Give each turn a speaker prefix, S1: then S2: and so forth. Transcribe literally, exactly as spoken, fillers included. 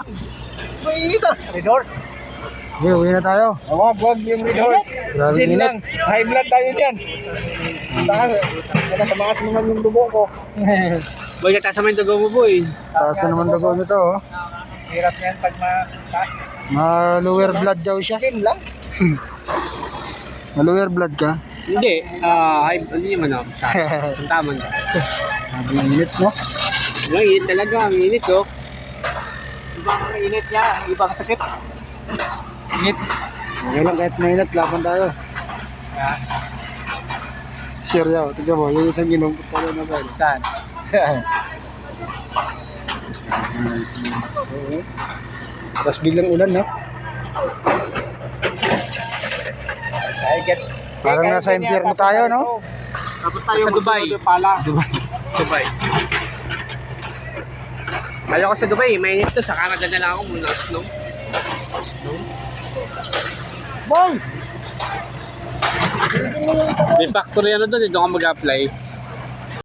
S1: Mainit ah. Red horse.
S2: Okay, uwi na tayo.
S1: Wag, wag yung red horse.
S2: Grabe
S1: Gin
S2: init.
S1: lang. High blood tayo dyan. Taas. Kaya tamaas naman yung dugo ko.
S3: Boy, nataas naman yung dugo mo, boy.
S2: Taas na naman dugo nito, oh.
S1: Hirap yan pag ma-taas.
S2: Ma-lower blood daw siya.
S1: Gin lang.
S2: Ma-lower blood ka.
S3: Hindi, ah, uh, hindi naman ako. Ang tama na.
S2: Grabe init, no?
S3: Ang init talaga, ang init, oh. Ibang init niya, ibang sakit.
S2: Init. Okay lang kahit mainit, laban tayo. Sure yaw, tignan mo, yung isang ginumpot tayo na ba?
S1: Saan?
S2: Tapos biglang ulan, no?
S1: I get...
S2: Parang nasa impyerno tayo, no?
S3: Dapat tayo
S1: Sa Dubai.
S3: Pala.
S2: Dubai.
S3: Dubai. Kaya ko sa Dubai, mainit to. Sa Canada na lang ako muna. Snow. Snow.
S1: Boy!
S3: May factory ano doon, doon ka mag-apply.